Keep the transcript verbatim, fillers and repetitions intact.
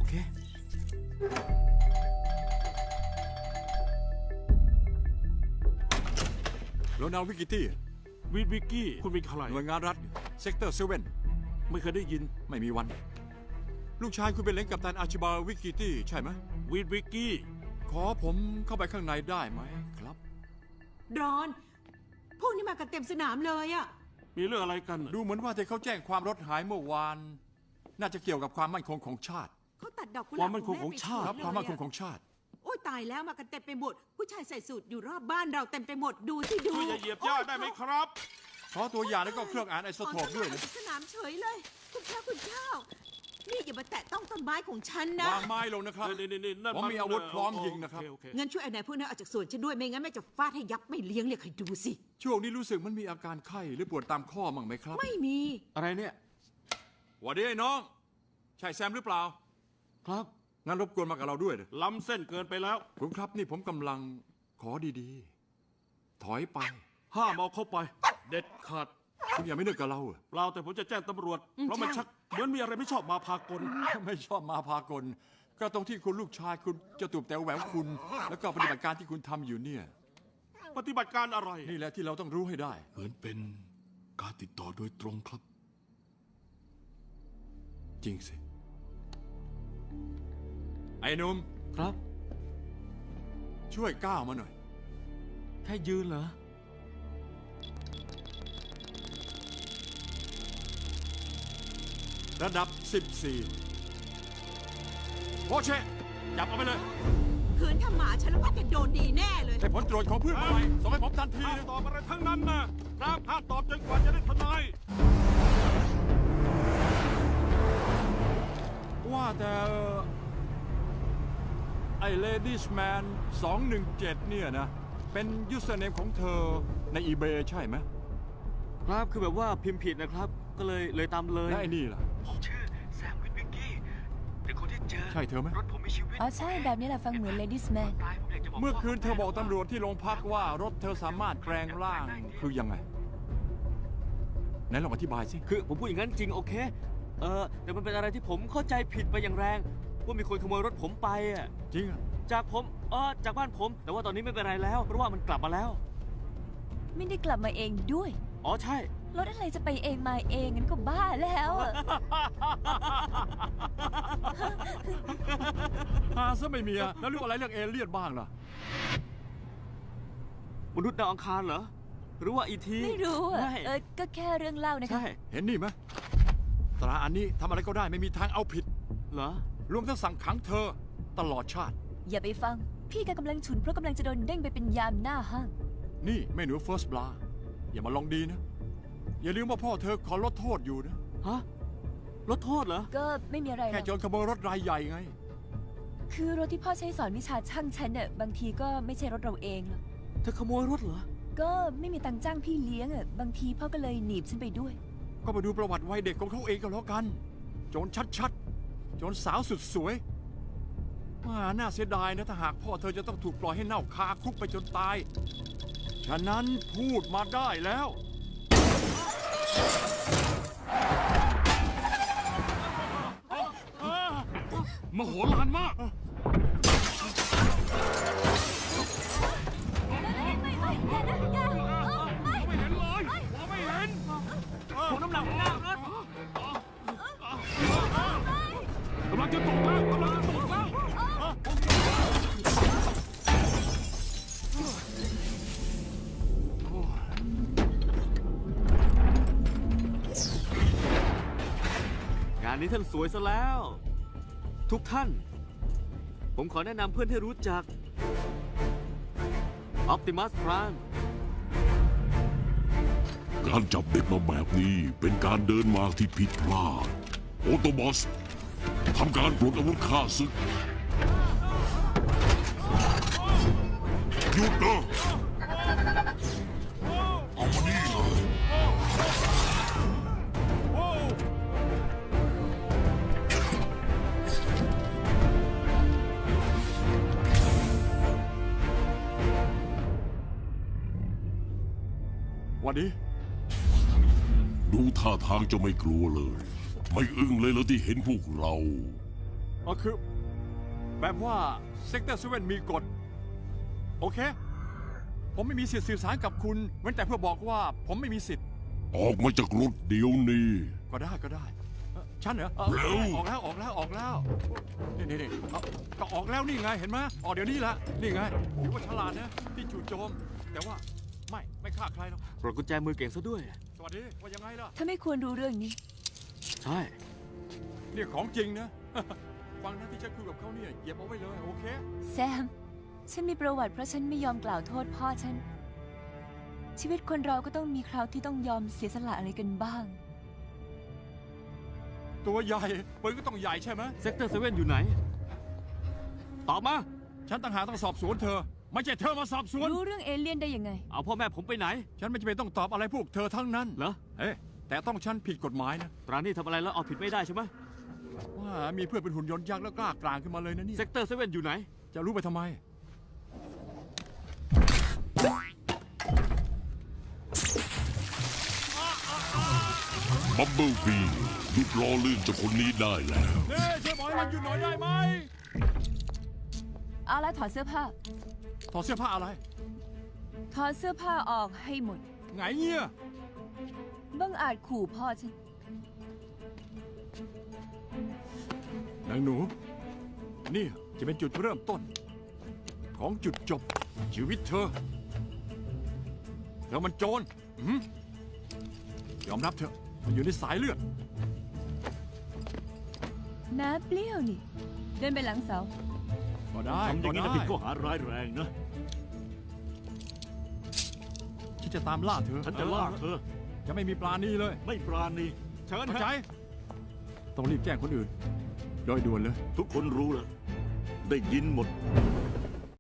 เคโรนัลวิกิตี้วิวิกกี้คุณเป็นใครหน่วยงานรัฐเซกเตอร์เซเว่นไม่เคยได้ยินไม่มีวันลูกชายคุณเป็นเลนกัปตันอาชิบาวิกิตี้ใช่ไหมวิวิกกี้ขอผมเข้าไปข้างในได้ไหมครับรอนพวกนี้มากันเต็มสนามเลยอะมีเรื่องอะไรกันดูเหมือนว่าที่เขาแจ้งความรถหายเมื่อวานน่าจะเกี่ยวกับความมั่นคงของชาติเขาตัดดอกกุหลาบความมั่นคงของชาติครับความมั่นคงของชาติโอ้ยตายแล้วมากันเต็มไปหมดผู้ชายใส่สูทอยู่รอบบ้านเราเต็มไปหมดดูสิดูช่วยอย่าเหยียบย่าได้ไหมครับขอตัวอย่างแล้วก็เครื่องอ่านไอโซโทปด้วยนะสนามเฉยเลยคุณเจ้าคุณเจ้านี่อย่ามาแตะต้องต้นไม้ของฉันนะวางไม้ลงนะครับผมมีอาวุธพร้อมยิงนะครับงั้นช่วยไอ้นายพวกนั้นออกจากสวนฉันด้วยไม่งั้นแม่จะฟาดให้ยับไม่เลี้ยงเลยใครดูสิช่วงนี้รู้สึกมันมีอาการไข้หรือปวดตามข้อมั้งไหมครับไม่มีอะไรเนี่ยหวัดดีไอ้น้องใช่แซมหรือเปล่าครับงั้นรบกวนมากับเราด้วยนะล้ำเส้นเกินไปแล้วคุณครับนี่ผมกำลังขอดีๆถอยไปห้ามเอาเข้าไปเด็ดขาดคุณอย่าไม่นึกกับเราเหรอเราแต่ผมจะแจ้งตำรวจเพราะมันชักเหมือนมีอะไรไม่ชอบมาพากลไม่ชอบมาพากลก็ตรงที่คุณลูกชายคุณจะตูบแต่แหววคุณแล้วก็ปฏิบัติการที่คุณทำอยู่เนี่ยปฏิบัติการอะไรนี่แหละที่เราต้องรู้ให้ได้เหมือนเป็นการติดต่อโดยตรงครับจริงสิไอ้หนุ่มครับช่วยก้าวมาหน่อยแค่ยืนเหรอระดับสิบสี่โอเชจับเอาไปเลยคืนถ้าหมาฉันแล้วก็จะโดนดีแน่เลยให้ผลตรวจของเพื่อนมาส่งให้ผมทันทีห้ามตอบอะไรทั้งนั้นนะครับห้ามตอบจนกว่าจะได้ทนายว่าแต่ไอ้เลดี้แมนสองหนึ่งเจ็ดเนี่ยนะเป็นยูสเซอร์เนมของเธอในอีเบย์ใช่ไหมครับคือแบบว่าพิมพ์ผิดนะครับก็เลยเลยตามเลยแล้วไอ้นี่ล่ะผมชื่อแซมวิทวิกกี้เป็นคนที่เจอใช่เธอไหมรถผมมีชีวิตอ๋อใช่แบบนี้แหละฟังเหมือนเลดี้แมนเมื่อคืนเธอบอกตำรวจที่โรงพักว่ารถเธอสามารถแปลงร่างคือยังไงไหนลองอธิบายสิคือผมพูดอย่างนั้นจริงโอเคเออแต่มันเป็นอะไรที่ผมเข้าใจผิดไปอย่างแรงว่ามีคนขโมยรถผมไปอ่ะจริงอ่ะจากผมเออจากบ้านผมแต่ว่าตอนนี้ไม่เป็นไรแล้วเพราะว่ามันกลับมาแล้วไม่ได้กลับมาเองด้วยอ๋อใช่รถอะไรจะไปเองมาเองงั้นก็บ้าแล้วหาซะไม่มีอะแล้วเรื่องอะไรเรื่องเอเลี่ยนบ้างล่ะมนุษย์ดาวอังคารเหรอหรือว่าอีทีไม่รู้อะเออก็แค่เรื่องเล่านะคะใช่เห็นนี่ไหมตราอันนี้ทำอะไรก็ได้ไม่มีทางเอาผิดเหรอรวมทั้งสั่งขังเธอตลอดชาติอย่าไปฟังพี่แกกำลังฉุนเพราะกำลังจะโดนเด้งไปเป็นยามหน้าห้างนี่แม่หนูเฟิร์สบลาอย่ามาลองดีนะอย่าลืมว่าพ่อเธอขอลดโทษอยู่นะฮะลดโทษเหรอก็ไม่มีอะไรแค่โจรขโมยรถรายใหญ่ไงคือรถที่พ่อใช้สอนวิชาช่างฉันเนี่ยบางทีก็ไม่ใช่รถเราเองหรอกเธอขโมยรถเหรอก็ไม่มีตังค์จ้างพี่เลี้ยงอ่ะบางทีพ่อก็เลยหนีบฉันไปด้วยก็มาดูประวัติวัยเด็กของเขาเองก็แล้วกันโจรชัดๆโจรสาวสุดสวยน่าเสียดายนะถ้าหากพ่อเธอจะต้องถูกปล่อยให้เน่าคาคุกไปจนตายฉะนั้นพูดมาได้แล้วมโหฬารมากไม่ไม่อย่านะอย่าไม่เห็นเลยมองไม่เห็นผมน้ำหนักหน้ารถกำลังจะตกแล้วกำลังจะตกแล้วงานนี้ท่านสวยซะแล้วทุกท่านผมขอแนะนำเพื่อนให้รู้จัก Optimus Prime การจับเด็กมาแบบนี้เป็นการเดินมาที่ผิดพลาดโอโตบอสทำการปลดอาวุธฆ่าศึกหยุดนะเอามานี่เลยวันนี้ดูท่าทางจะไม่กลัวเลยไม่อึ้งเลยแล้วที่เห็นพวกเราก็คือ แบบว่าเซกเตอร์เซเว่นมีกฎ โอเค ผมไม่มีสิทธิ์สื่อสารกับคุณเว้นแต่เพื่อบอกว่าผมไม่มีสิทธิ์ออกมาจากรถเดี๋ยวนี้ก็ได้ก็ได้เอ่อฉันเหรอเอ่อเร็วออกแล้วออกแล้วออกแล้วนี่นี่นี่เอ้าก็ออกแล้วนี่ไงเห็นไหมออกเดี๋ยวนี้ละนี่ไงถือว่าฉลาดนะที่จู่โจม แต่ว่าไม่ไม่ฆ่าใครหรอกปลดกุญแจมือเก่งซะด้วยสวัสดีว่ายังไงล่ะถ้าไม่ควรรู้เรื่องนี้ใช่เนี่ยของจริงนะ ฟังนะที่ฉันคุยกับเขาเนี่ยเหยียบเอาไว้เลยโอเคแซม ฉันมีประวัติเพราะฉันไม่ยอมกล่าวโทษพ่อฉัน ชีวิตคนเราก็ต้องมีคราวที่ต้องยอมเสียสละอะไรกันบ้างตัวใหญ่ปืนก็ต้องใหญ่ใช่ไหมเซกเตอร์เซเว่นอยู่ไหน ตอบมาฉันต่างหากต้องสอบสวนเธอ ไม่ใช่เธอมาสอบสวนรู้เรื่องเอเลี่ยนได้ยังไงเอาพ่อแม่ผมไปไหนฉันไม่จำเป็นต้องตอบอะไรพวกเธอทั้งนั้นเหรอเอ๊ะแต่ต้องฉันผิดกฎหมายนะตรานี่ทำอะไรแล้วเอาผิดไม่ได้ใช่ไหมว่ามีเพื่อนเป็นหุ่นยนต์ยักษ์แล้วกล้ากลางขึ้นมาเลยนะเนี่ยเซกเตอร์เซเว่นอยู่ไหนจะรู้ไปทำไมบับเบิลบีหยุดล้อลื่นเจากคนนี้ได้แล้วเน่ช่วยบอกให้มันหยุดหน่อยได้ไหมเอาละถอดเสื้อผ้าถอดเสื้อผ้าอะไรถอดเสื้อผ้าออกให้หมดไงเงี้ยบังอาจขู่พ่อฉันนางหนู นี่จะเป็นจุดเริ่มต้น ของจุดจบ ชีวิตเธอ เธอมันโจรอื้อหือยอมรับเถอะ มันอยู่ในสายเลือดน้าเปรี้ยวนี่ เดินไปหลังเสาก็ได้ทำอย่างนี้ก็นะได้ผิดข้อหาร้ายแรงนะฉันจะตามล่าเธอฉันจะล่าเธอจะไม่มีปลาณีเลยไม่ปราณีเชิญเข้าเถใจอะต้องรีบแจ้งคนอื่น โดยด่วนเลยทุกคนรู้แล้ว ได้ยินหมดไ